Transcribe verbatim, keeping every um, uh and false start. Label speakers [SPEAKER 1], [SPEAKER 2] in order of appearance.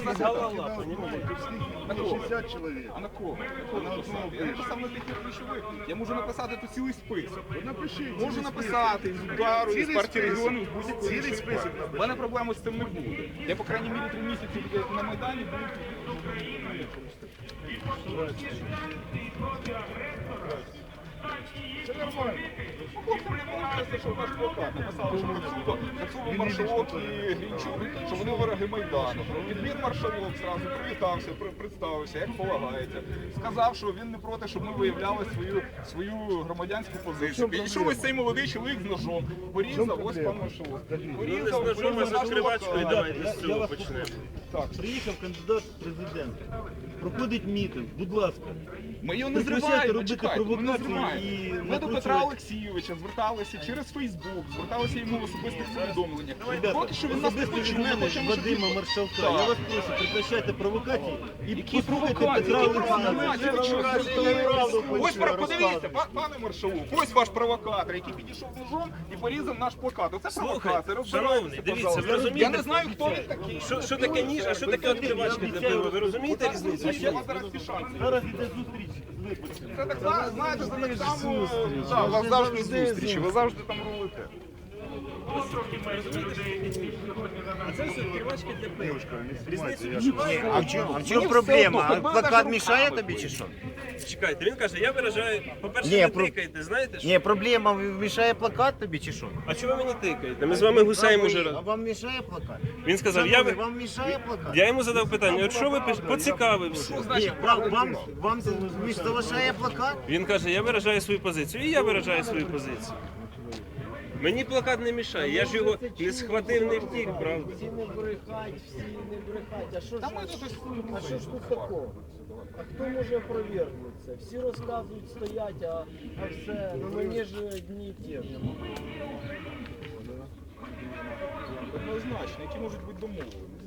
[SPEAKER 1] голова, понимаете?
[SPEAKER 2] На кого?
[SPEAKER 3] шістдесят чоловік.
[SPEAKER 2] А на кого? Я написав. Я написав на таких ключових. Я можу написати тут цілий список.
[SPEAKER 3] Напишіть.
[SPEAKER 2] Можу написати з удару, з партії регіонів, з будь-якого
[SPEAKER 3] Цілий
[SPEAKER 2] іншого.
[SPEAKER 3] список
[SPEAKER 2] У мене проблеми з цим не буде. Я, по крайній мірі, три місяці на Майдані буду.
[SPEAKER 3] Це нормально.
[SPEAKER 2] Хлопцям не подобається, що наш плакат написали, що Грицуко, Грицуко, Маршалок і Грінчук, що вони вороги Майдану. Відмір Маршалок зразу привітався, при- представився, як полагається. Сказав, що він не проти, щоб ми виявляли свою, свою громадянську позицію. Підійшов ось цей молодий чоловік з ножом, порізав, ось пан Маршалок. Порізав,
[SPEAKER 1] Ну, з ножом, а з
[SPEAKER 2] наш
[SPEAKER 1] відкривачкою
[SPEAKER 2] плакат.
[SPEAKER 1] давайте
[SPEAKER 4] я-
[SPEAKER 1] з
[SPEAKER 4] я
[SPEAKER 1] цього
[SPEAKER 4] вас
[SPEAKER 1] почнемо.
[SPEAKER 2] Так,
[SPEAKER 4] Приїхав кандидат в президенти. Проходить мітинг, будь ласка.
[SPEAKER 2] ми його не
[SPEAKER 4] Прекращайте
[SPEAKER 2] зриваємо,
[SPEAKER 4] робити
[SPEAKER 2] чекайте, ми не
[SPEAKER 4] провокації
[SPEAKER 2] зриваємо.
[SPEAKER 4] і
[SPEAKER 2] Ми до
[SPEAKER 4] накручувати.
[SPEAKER 2] Петра Олексійовича зверталися через Фейсбук, зверталися йому в особистих повідомленнях.
[SPEAKER 4] Ребята,
[SPEAKER 2] Поки що він нас не
[SPEAKER 4] особисто від
[SPEAKER 2] почув, ми
[SPEAKER 4] мене,
[SPEAKER 2] хочемо, щоб
[SPEAKER 4] Вадима
[SPEAKER 2] він-
[SPEAKER 4] Маршалка.
[SPEAKER 2] Так.
[SPEAKER 4] Я вас прошу, прекращайте провокації і
[SPEAKER 2] Які
[SPEAKER 4] послухайте
[SPEAKER 2] провокації?
[SPEAKER 4] Петра
[SPEAKER 2] Які
[SPEAKER 4] Олексійовича.
[SPEAKER 2] провокації? Ви що,
[SPEAKER 4] Правду
[SPEAKER 2] Ось
[SPEAKER 4] хочу
[SPEAKER 2] про- подивіться,
[SPEAKER 4] розказувати.
[SPEAKER 2] па- пане Маршалок, ось ваш провокатор, який підійшов ножом і порізав наш плакат. Оце
[SPEAKER 1] Слухай,
[SPEAKER 2] провокація.
[SPEAKER 1] шановний, дивіться, ви розумієте?
[SPEAKER 2] Я не знаю, хто він такий.
[SPEAKER 1] Що, що таке ніж, а що таке відкривачка для пива? Ви розумієте різницю?
[SPEAKER 2] Я вас зараз всі шанси.
[SPEAKER 4] Зараз іде зустріч з виборцями.
[SPEAKER 2] Це так само, знаєте, це так само, да, у вас завжди зустрічі, ви завжди там рулите.
[SPEAKER 1] А це все відкривачка для пива. Різницю відчуваєте?
[SPEAKER 5] А в чому, а в
[SPEAKER 2] Мені
[SPEAKER 5] чому
[SPEAKER 2] все
[SPEAKER 5] проблема?
[SPEAKER 2] одно,
[SPEAKER 5] А
[SPEAKER 2] ви
[SPEAKER 5] плакат
[SPEAKER 2] навіть
[SPEAKER 5] мішає
[SPEAKER 2] руками
[SPEAKER 5] тобі чи що?
[SPEAKER 1] Чекайте, він каже, я виражаю, по-перше,
[SPEAKER 5] Ні,
[SPEAKER 1] не
[SPEAKER 5] про-
[SPEAKER 1] тикайте, знаєте що?
[SPEAKER 5] Ні, проблема мішає плакат тобі чи що?
[SPEAKER 1] А чого ви мені тикаєте? Ми з вами гусаємо
[SPEAKER 5] А
[SPEAKER 1] уже
[SPEAKER 5] ви-
[SPEAKER 1] раз.
[SPEAKER 5] А вам мішає плакат?
[SPEAKER 1] Він сказав, я,
[SPEAKER 5] Шановний,
[SPEAKER 1] ви-
[SPEAKER 5] вам мішає плакат?
[SPEAKER 1] я йому задав питання, от що ви пиш- поцікавився.
[SPEAKER 5] Ні, вам, вам, вам залишає плакат?
[SPEAKER 1] Він каже, я виражаю свою позицію, і я виражаю свою позицію. Мені плакат не мішає, я ж його не схватив, не втік, правда?
[SPEAKER 6] Всі не брехать, всі не брехать. А що ж,
[SPEAKER 2] Та ми тут ось
[SPEAKER 6] а що ж тут такого? А хто може опровергнути це? Всі розказують, стоять, а, а все, ну мені ж одні і ті ж.
[SPEAKER 2] однозначно, які можуть бути домовленості.